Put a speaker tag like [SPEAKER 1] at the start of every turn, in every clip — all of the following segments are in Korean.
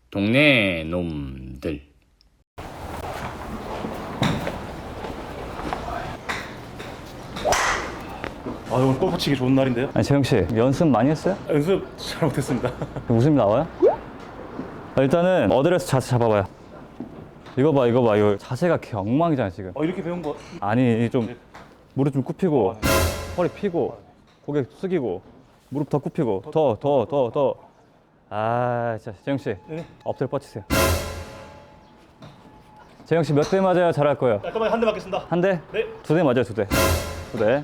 [SPEAKER 1] 동네 놈들.
[SPEAKER 2] 아, 오늘 골프 치기 좋은 날인데요?
[SPEAKER 3] 아니 재영씨 연습 많이 했어요?
[SPEAKER 2] 연습 잘 못했습니다.
[SPEAKER 3] 웃음이 나와요? 일단은 어드레스 자세 잡아봐요. 이거 봐 이거 자세가 엉망이잖아 지금.
[SPEAKER 2] 이렇게 배운 거.
[SPEAKER 3] 아니 좀 무릎 좀 굽히고 허리 펴고 고개 숙이고 무릎 더 굽히고 더. 아 진짜 재영씨
[SPEAKER 2] 네.
[SPEAKER 3] 엎드려 뻗치세요. 재영씨 몇 대 맞아야 잘할 거예요?
[SPEAKER 2] 깔끔하게 한 대 맞겠습니다.
[SPEAKER 3] 한 대?
[SPEAKER 2] 네.
[SPEAKER 3] 두 대 맞아요, 두 대. 두 대.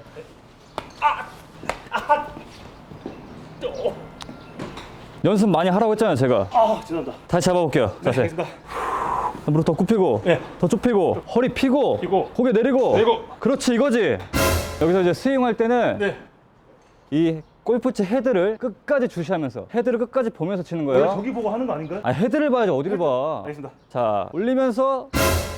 [SPEAKER 3] 연습 많이 하라고 했잖아요, 제가.
[SPEAKER 2] 죄송합니다.
[SPEAKER 3] 다시 잡아볼게요.
[SPEAKER 2] 네,
[SPEAKER 3] 자세.
[SPEAKER 2] 알겠습니다.
[SPEAKER 3] 무릎 더 굽히고,
[SPEAKER 2] 네.
[SPEAKER 3] 더 좁히고, 허리 펴고,
[SPEAKER 2] 펴고,
[SPEAKER 3] 고개 내리고.
[SPEAKER 2] 내리고.
[SPEAKER 3] 그렇지, 이거지. 여기서 이제 스윙할 때는
[SPEAKER 2] 네.
[SPEAKER 3] 이 골프채 헤드를 끝까지 주시하면서 헤드를 끝까지 보면서 치는
[SPEAKER 2] 원래
[SPEAKER 3] 거예요.
[SPEAKER 2] 저기 보고 하는 거 아닌가요?
[SPEAKER 3] 아니, 헤드를 봐야지 어디를 봐.
[SPEAKER 2] 알겠습니다.
[SPEAKER 3] 자, 올리면서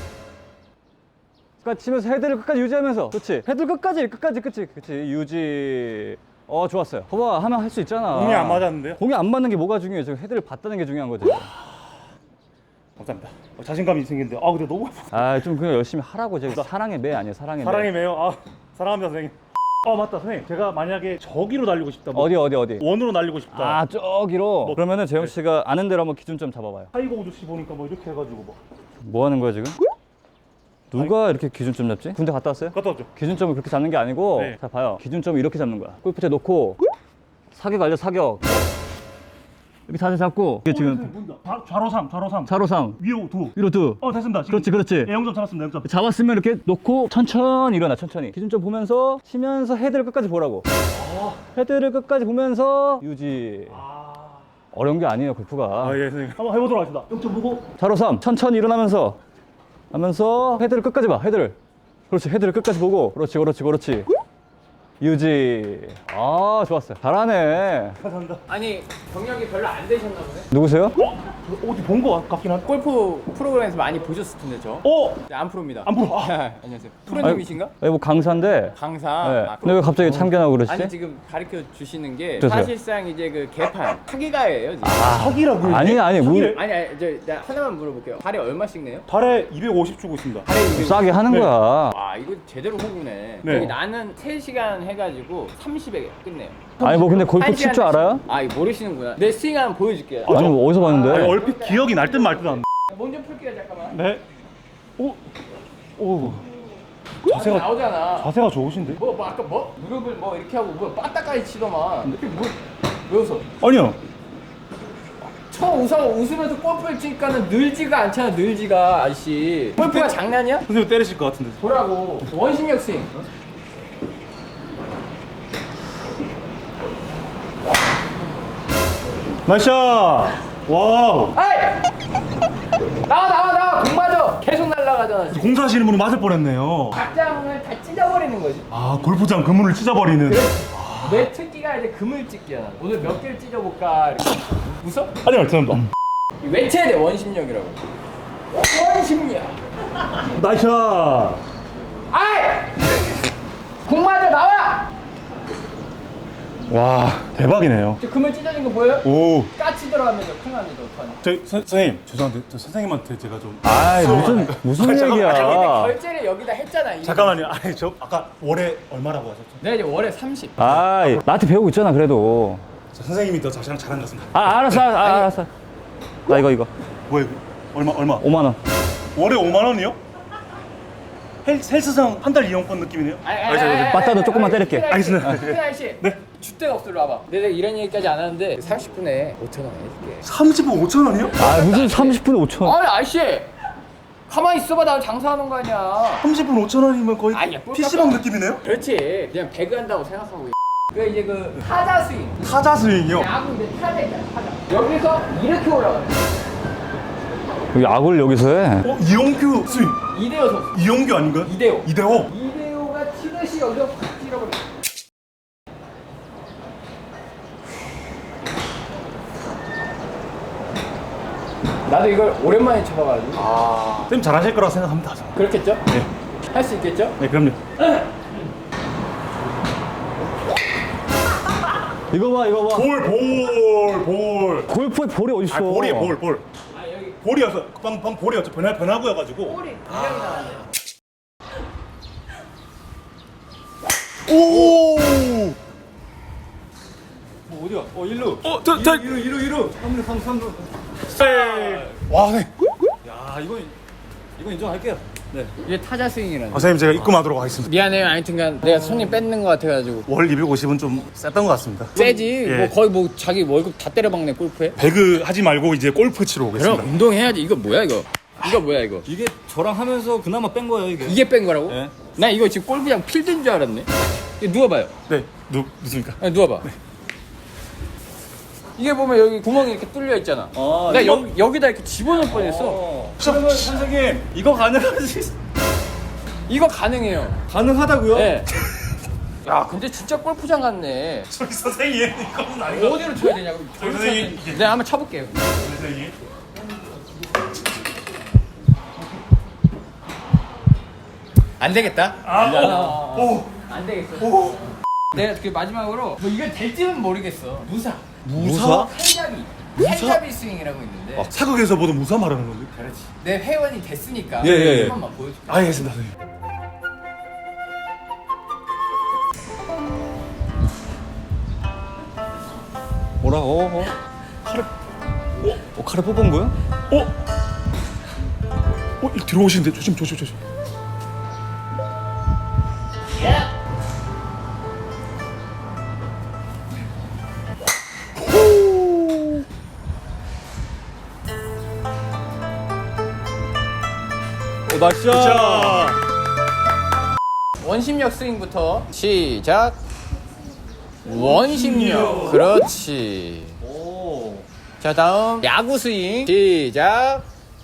[SPEAKER 3] 끝까지 치면서 헤드를 끝까지 유지하면서. 그렇지. 헤드를 끝까지 그렇지. 유지. 좋았어요. 봐봐, 하면 할 수 있잖아.
[SPEAKER 2] 공이 안 맞았는데요?
[SPEAKER 3] 공이 안 맞는 게 뭐가 중요해? 지금 헤드를 봤다는 게 중요한 거지.
[SPEAKER 2] 감사합니다. 자신감이 생기는데. 근데 너무 아프다.
[SPEAKER 3] 좀 그냥 열심히 하라고. 제가 사랑의 매 아니에요, 사랑의 매.
[SPEAKER 2] 사랑의 매요. 사랑합니다, 선생님. 맞다, 선생님. 제가 만약에 저기로 날리고 싶다.
[SPEAKER 3] 어디?
[SPEAKER 2] 원으로 날리고 싶다.
[SPEAKER 3] 저기로. 그러면은 재영 씨가 아는 대로 한번 기준점 잡아봐요.
[SPEAKER 2] 타이거 우즈 씨 보니까 이렇게 해가지고
[SPEAKER 3] 뭐 하는 거야 지금? 누가 이렇게 기준점 잡지? 군대 갔다 왔어요?
[SPEAKER 2] 갔다 왔죠.
[SPEAKER 3] 기준점을 그렇게 잡는 게 아니고,
[SPEAKER 2] 네.
[SPEAKER 3] 자 봐요. 기준점을 이렇게 잡는 거야. 골프채 놓고 사격 알죠? 사격. 이렇게 자세 잡고 이게 지금
[SPEAKER 2] 좌로 3.
[SPEAKER 3] 차로 3
[SPEAKER 2] 위로 2.
[SPEAKER 3] 위로 2.
[SPEAKER 2] 됐습니다. 지금.
[SPEAKER 3] 그렇지.
[SPEAKER 2] 네, 0점 잡았습니다. 0점.
[SPEAKER 3] 잡았으면 이렇게 놓고 천천히 일어나. 천천히 기준점 보면서 치면서 헤드를 끝까지 보라고. 헤드를 끝까지 보면서 유지. 어려운 게 아니에요 골프가.
[SPEAKER 2] 예, 선생님. 한번 해보도록 하겠습니다. 0점 보고.
[SPEAKER 3] 차로 3 천천히 일어나면서 하면서 헤드를 끝까지 봐. 헤드를. 그렇지. 헤드를 끝까지 보고. 그렇지. 유지. 좋았어요. 잘하네.
[SPEAKER 2] 감사합니다.
[SPEAKER 4] 아니 경력이 별로 안 되셨나 보네.
[SPEAKER 3] 누구세요?
[SPEAKER 2] 어디 본 거 같긴 한데.
[SPEAKER 4] 골프 프로그램에서 많이 보셨을 텐데 저. 네, 안 프로입니다.
[SPEAKER 2] 안 프로.
[SPEAKER 4] 안녕하세요. 프로님이신가?
[SPEAKER 3] 뭐 강사인데.
[SPEAKER 4] 강사.
[SPEAKER 3] 네. 근데 왜 갑자기 참견하고 그러시지?
[SPEAKER 4] 아니 지금 가르쳐 주시는 게
[SPEAKER 3] 주세요.
[SPEAKER 4] 사실상 이제 그 개판 타기가예요 지금.
[SPEAKER 2] 사기라고요?
[SPEAKER 3] 아니
[SPEAKER 4] 저 하나만 물어볼게요. 발에 얼마씩 내요?
[SPEAKER 2] 달에 250 주고 있습니다.
[SPEAKER 4] 발에 200.
[SPEAKER 3] 싸게 하는
[SPEAKER 2] 네.
[SPEAKER 3] 거야.
[SPEAKER 4] 이거 제대로 호구네.
[SPEAKER 2] 네.
[SPEAKER 4] 저기 나는 3시간 해가지고 30에 끝내요.
[SPEAKER 3] 아니 뭐 근데 골프 칠 줄 알아요?
[SPEAKER 4] 이거 모르시는구나. 내 스윙 한번 보여줄게요.
[SPEAKER 3] 아니 뭐 어디서 봤는데?
[SPEAKER 2] 얼핏 기억이 날 듯 말 듯 안.
[SPEAKER 4] 먼저 풀게요 잠깐만.
[SPEAKER 2] 네. 오.
[SPEAKER 4] 나오잖아.
[SPEAKER 2] 자세가 좋으신데?
[SPEAKER 4] 아까 무릎을 이렇게 하고 빠따까지 치더만. 왜 웃어?
[SPEAKER 2] 아니요.
[SPEAKER 4] 웃으면서 골프를 치니까는 늘지가 않잖아. 늘지가 아저씨. 골프가 장난이야?
[SPEAKER 2] 선생님 때리실 것 같은데.
[SPEAKER 4] 보라고. 원심력 스윙.
[SPEAKER 2] 나이스. 와우.
[SPEAKER 4] 아이! 나와 공 맞아. 계속 날아가잖아 지금.
[SPEAKER 2] 공사하시는 분은 맞을 뻔했네요.
[SPEAKER 4] 각장을 다 찢어버리는 거지.
[SPEAKER 2] 골프장 그물을 찢어버리는.
[SPEAKER 4] 내 특기가 이제 그물 찢기야. 오늘 몇 개를 찢어볼까 이렇게. 웃어?
[SPEAKER 2] 아니요, 죄송합니다.
[SPEAKER 4] 외쳐야 돼. 원심력이라고. 원심력.
[SPEAKER 2] 나이스.
[SPEAKER 4] 아이! 공 맞아 나와!
[SPEAKER 2] 와, 대박이네요.
[SPEAKER 4] 저 그물 찢어진 거 보여요?
[SPEAKER 2] 오.
[SPEAKER 4] 까치 들어가면서 큰일 납니다. 어떡하냐.
[SPEAKER 2] 선생님, 죄송한데 저 선생님한테 제가 좀.
[SPEAKER 3] 아이 무슨 얘기야?
[SPEAKER 4] 결제를 여기다 했잖아. 이미.
[SPEAKER 2] 잠깐만요. 저 아까 월에 얼마라고 하셨죠?
[SPEAKER 4] 내가 이제 월에 30.
[SPEAKER 3] 나한테 배우고 있잖아 그래도.
[SPEAKER 2] 선생님이 더 자세랑 잘한 것 같습니다.
[SPEAKER 3] 알았어. 나 이거
[SPEAKER 2] 뭐야 이거? 얼마?
[SPEAKER 3] 5만 원.
[SPEAKER 2] 월에 5만 원이요? 헬스장 한 달 이용권 느낌이네요.
[SPEAKER 3] 빠따도 조금만 때릴게.
[SPEAKER 2] 알겠습니다.
[SPEAKER 4] 아저씨.
[SPEAKER 2] 네.
[SPEAKER 4] 줏대가 없어. 일로 와봐. 내가 이런 얘기까지 안 하는데 30분에 5,000원 해줄게.
[SPEAKER 2] 30분 5천 원이요?
[SPEAKER 3] 무슨 30분에 5천 원?
[SPEAKER 4] 아저씨. 가만히 있어봐. 나 장사하는 거 아니야.
[SPEAKER 2] 30분 5천 원이면 거의
[SPEAKER 4] 아니야,
[SPEAKER 2] PC방 느낌이네요?
[SPEAKER 4] 그렇지. 그냥 배그 한다고 생각하고. 이제 타자 스윙.
[SPEAKER 2] 타자 스윙이요?
[SPEAKER 4] 야구 이제 타자 있잖아. 타자. 여기서 이렇게 올라가요.
[SPEAKER 3] 야구를 여기서 해?
[SPEAKER 2] 이용규 스윙.
[SPEAKER 4] 이대호 선수.
[SPEAKER 2] 이용규 아닌가요?
[SPEAKER 4] 이대호.
[SPEAKER 2] 이대호?
[SPEAKER 4] 이대호가 치듯이 여기서 확 찔러버려. 나도 이걸 오랜만에 쳐봐가지고.
[SPEAKER 2] 쌤 잘하실 거라고 생각합니다.
[SPEAKER 4] 그렇겠죠?
[SPEAKER 2] 네.
[SPEAKER 4] 할 수 있겠죠?
[SPEAKER 2] 네, 그럼요.
[SPEAKER 3] 이거 봐.
[SPEAKER 2] 볼.
[SPEAKER 3] 골프에 볼이 어딨어?
[SPEAKER 2] 볼이에요, 볼. 볼이어서 방 볼이었죠. 변화구여가지고.
[SPEAKER 4] 볼이 분명히 나왔네.
[SPEAKER 2] 오.
[SPEAKER 3] 어디야? 일루.
[SPEAKER 2] 저.
[SPEAKER 3] 일루. 3루.
[SPEAKER 2] 와, 네.
[SPEAKER 3] 야, 이건 인정할게요. 네.
[SPEAKER 4] 이게 타자 스윙이라는.
[SPEAKER 2] 선생님 제가 입금하도록 하겠습니다.
[SPEAKER 4] 미안해요. 하여튼간 내가 손님 뺏는 것 같아가지고.
[SPEAKER 2] 월 250은 좀 셌던 것 같습니다.
[SPEAKER 4] 세지.
[SPEAKER 2] 예.
[SPEAKER 4] 뭐 거의 뭐 자기 월급 다 때려박네 골프에.
[SPEAKER 2] 배그 하지 말고 이제 골프 치러
[SPEAKER 4] 그럼
[SPEAKER 2] 오겠습니다.
[SPEAKER 4] 운동해야지. 이거 뭐야 이거? 이거 뭐야 이거?
[SPEAKER 3] 이게 저랑 하면서 그나마 뺀 거예요, 이게.
[SPEAKER 4] 이게 뺀 거라고?
[SPEAKER 3] 네.
[SPEAKER 4] 나 이거 지금 골프장 필드인 줄 알았네. 이거 누워봐요.
[SPEAKER 2] 네, 누습니까?
[SPEAKER 4] 아니, 누워봐. 이게 보면 여기 구멍이 이렇게 뚫려 있잖아. 나 여기다 이렇게 집어넣을 뻔했어.
[SPEAKER 3] 그러면 선생님, 이거 가능하지?
[SPEAKER 4] 이거 가능해요.
[SPEAKER 3] 가능하다고요?
[SPEAKER 4] 네. 야, 근데 진짜 골프장 같네.
[SPEAKER 2] 저기 선생님 이거는 아닌 것
[SPEAKER 4] 어디로 쳐야 되냐고.
[SPEAKER 2] 선생님, 이게-
[SPEAKER 4] 내가 한번 쳐볼게요.
[SPEAKER 2] 같아요, 선생님.
[SPEAKER 4] 안 되겠다.
[SPEAKER 2] 오.
[SPEAKER 4] 안 되겠어. 내가 그 마지막으로 뭐 이건 될지는 모르겠어. 무사.
[SPEAKER 3] 무사?
[SPEAKER 4] 칼잡이 스윙이라고 있는데.
[SPEAKER 2] 사극에서 보던 무사 말하는 건데.
[SPEAKER 4] 그렇지. 내 회원이 됐으니까.
[SPEAKER 3] 예, 예, 예.
[SPEAKER 4] 한 번만 보여줄게.
[SPEAKER 2] 알겠습니다, 선생님.
[SPEAKER 3] 뭐라? 칼을 뽑은 거야?
[SPEAKER 2] 이거 들어오시는데 조심.
[SPEAKER 3] 나이스.
[SPEAKER 2] 자,
[SPEAKER 4] 원심력 스윙부터 시작. 원심력. 그렇지.
[SPEAKER 3] 오.
[SPEAKER 4] 자, 다음 야구 스윙 시작.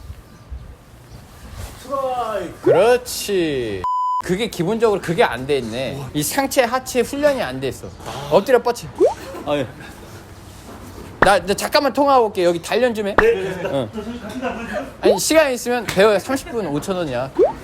[SPEAKER 4] 그렇지. 그게 기본적으로 그게 안 돼 있네. 이 상체 하체 훈련이 안 돼 있어. 엎드려 뻗치.
[SPEAKER 3] 아, 예.
[SPEAKER 4] 나 잠깐만 통화하고 올게. 여기 단련 좀 해. 응. 아니 시간 있으면 배워야 30분 5,000원이야.